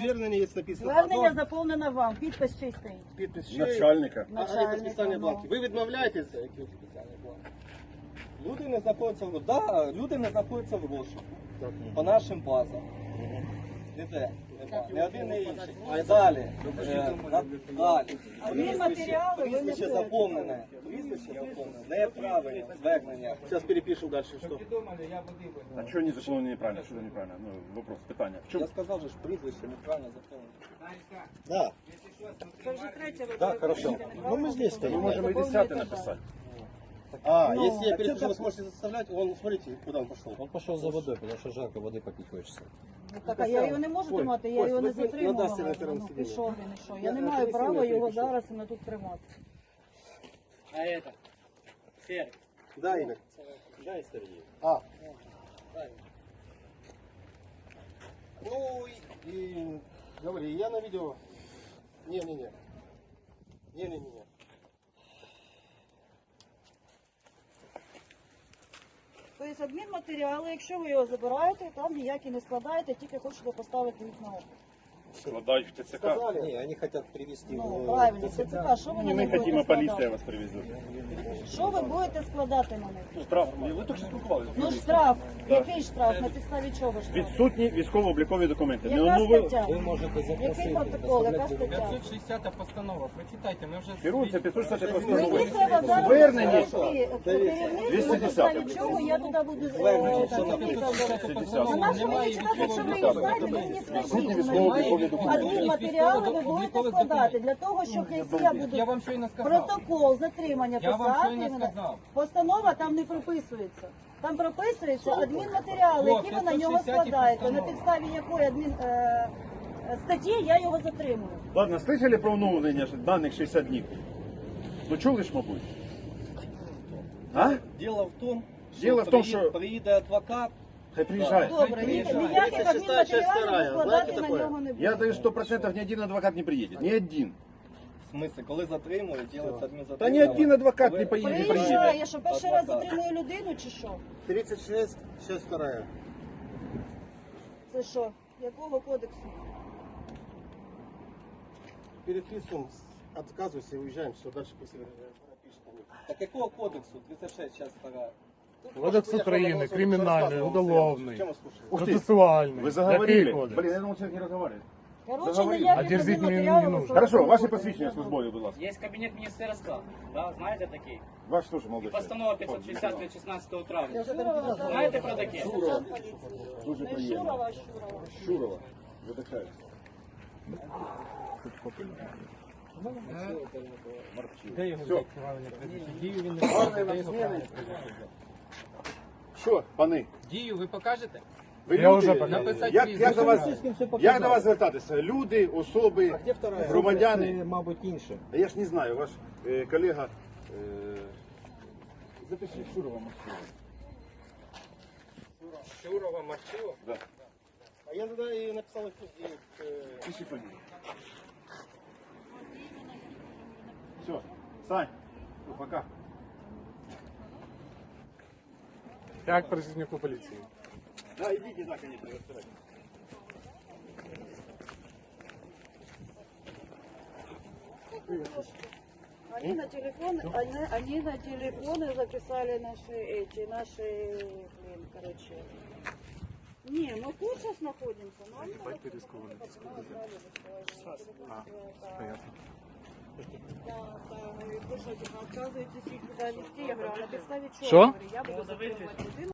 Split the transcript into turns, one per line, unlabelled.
звернення є написано.
Звернення заповнено вам, підпис чистий.
Підпис ще.
Начальника.
А це спеціальні бланки. Ви відмовляєтеся, які спеціальні бланки? Люди не знаходяться в люди не знаходяться в розшуку. По нашим базам. Ніде. Не один, не інший. А далі. Далі. Прізвище заповнене. Прізвище заповнене. Неправильно. Звернення. Зараз перепишу далі, що.
А что не заполнено неправильно? Что неправильно? Ну, вопрос, питание. В чем?
Я сказав, що прізвище неправильно заповнене.
Да.
Це вже третє ви
Да, хорошо. Ну мы здесь
Мы
стоим.
можем и 10 написать.
Если я перепишу, вы сможете заставлять, он, смотрите, куда он пошел.
Он пошел за водой, потому что жарко, воды попить хочется.
Так, а я його не можу тримати, я його не затримувала. Ну, пішов він і що. Я не маю права його зараз і не тут тримати.
А это? Серый.
Да, Игорь.
Дай, Сергей.
Ну, и говори, я на видео. Не-не-не. Не-не-не.
Тобто адмінматеріали, якщо ви його забираєте, там ніякі не складаєте, тільки хочете поставити їх на облік.
Складають в ТЦК.
Не, они хотят привезти
Ну,
его.
правильно, ТЦК, що ви на
Не мы
них
хотим, а
будете
полиция
складати?
вас привезет.
Що ви будете складати на них?
Ну, штраф. Ви тільки що спілкувалися.
Ну штраф. Який штраф? На підставі чого штраф?
Відсутні військово-облікові документи.
Яка
Ну, ви
стаття?
Вы можете
Який
запросить.
протокол, яка
доставлять
стаття?
560 постанова. Прочитайте, ми вже...
керуються 560
Мені
постановою.
треба зараз
Звернення.
керівництво, на
210.
підставі чого я туди буду На нашу мені читати, що ви їх знаєте, ви мені скажіть.
військово-облікові документи.
Адмінматеріали ви будете складати для того, щоб якщо я
Я
буду
вам щойно сказав.
протокол затримання
Я вам
писати,
щойно сказав.
постанова там не прописується. Там прописуються адмінматеріали,
О,
які ви на нього
560
складаєте, на
постанова.
підставі якої статті я його затримую.
Ладно, слышали про оновлення даних 60 днів? Ну чули ж, мабуть? А?
Дело в том,
Дело в том, что-
приїде адвокат.
Хай приїжджає.
Добре, ніяких
36-я
адмінматеріалів
знаєте
складати на
таке?
нього не буде.
Я даю 100%, ни один адвокат не приедет. Ни один.
В смысле, коли затримують, робиться
Да
адмінзатримання.
ни один адвокат не поедет. Не приедет.
Приїжджає, що перший раз затримує людину чи що?
36, сейчас вторая.
Це що? Якого кодексу?
Переписываем, отказывайся и уезжаем, все, дальше пусть напишет. Так какого кодексу? 36, сейчас вторая.
Кодекс України, кримінальний, уголовний,
Чем вас слушать?
Ух ты,
процесуальний.
вы заговорили.
Який кодекс?
Блин, я думал, человек не разговаривает.
Коротше,
Заговорили.
ніяких
А дерзить мені не
адмінматеріалів
нужно.
складати
Хорошо,
не
ваши
буде.
посвящения службовые, будь ласка.
Есть кабинет министерства, да, знаете такие?
Ваш тоже молодой человек.
Постанова 560 від 16 травня.
Шурова,
Знаєте про таке?
сержант поліції.
Дуже
Не
приємно.
Шурова, а Шурова.
Шурова. Видихається.
Де його
Все.
правильно прізвище? Дію він не
Гарної
покаже,
вам
де його
зміни.
правильно прізвище?
Що, пани?
Дію ви покажете?
Ви
Я
люди,
вже показав.
Написати
як
прізвище
до вас,
правильно.
як до вас звертатися? Люди, особи,
Где вторая?
громадяни?
Це, мабуть, інше.
А я ж не знаю, ваш колега... Запишіть Шурова Максима.
Шурова, Марчило?
Да.
А я тогда и написал их.
Пиши фамилию. Все, Сань, ну, пока.
Як працівнику поліції.
Да, идите, да, конечно, разбирайтесь.
Они на телефоны записали наши, короче. Не, мы тут сейчас находимся, но они на телефоны Да, вы что, отказываетесь их туда вести? Я говорю, а на підставі чого?
Що?
Я буду затримувати людину.